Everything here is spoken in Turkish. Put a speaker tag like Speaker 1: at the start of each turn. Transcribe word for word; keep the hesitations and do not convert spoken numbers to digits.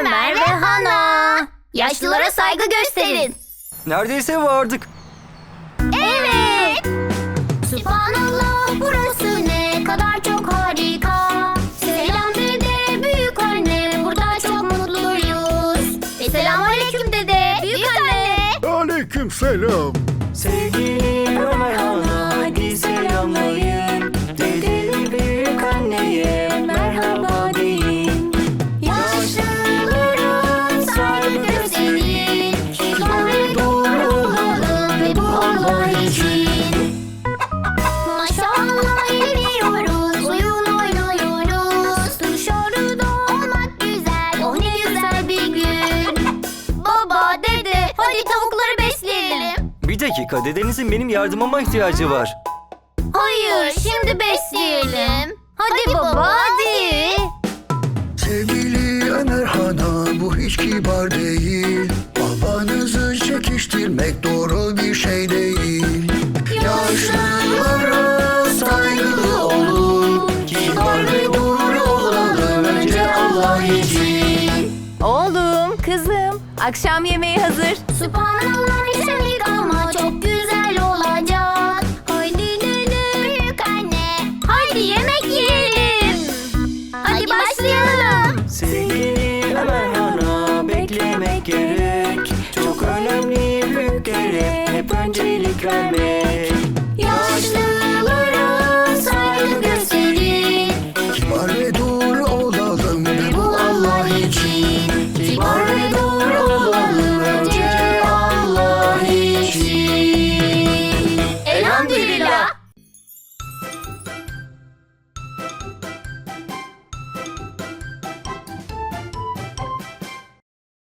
Speaker 1: Ömer ve Hana. Yaşlılara saygı gösterin.
Speaker 2: Neredeyse vardık.
Speaker 1: Evet. Sübhanallah, burası ne kadar çok harika. Selam dede, büyük anne, burada çok mutluyuz. Ve selamünaleyküm dede, büyük anne.
Speaker 3: Aleyküm selam.
Speaker 2: Sevgili Ömer Hana, hadi selamlayın. Dedeli büyük anneye merhaba deyin.
Speaker 1: Yaşlıların saygı gösterin. Kibar ve doğru olalım ve bu Allah için. Maşallah eğleniyoruz, oyun oynuyoruz. Dışarıda olmak güzel, oh ne güzel bir gün. Baba, dede, hadi tavukları besleyelim.
Speaker 2: Bir dakika, dedenizin benim yardımıma ihtiyacı var.
Speaker 1: Hayır, şimdi besleyelim. Hadi, baba, hadi.
Speaker 3: Sevgili Ömer Hana, bu hiç kibar değil. Babanızı çekiştirmek doğru bir şey değil. Yaşlılara saygılı olun. Kibar ve doğru olalım önce Allah için.
Speaker 4: Oğlum, kızım, akşam yemeği hazır.
Speaker 1: Sübhanallah, güzellik ama çok güzel olacak. Haydi dede, büyük anne, haydi yemek yiyelim. Hadi başlayalım.
Speaker 2: Sevgili Ömer Hana, beklemek gerek. Çok önemli büyük görev, hep öncelik vermek.
Speaker 1: Yaşlılara saygı gösterin.
Speaker 3: Kibar ve doğru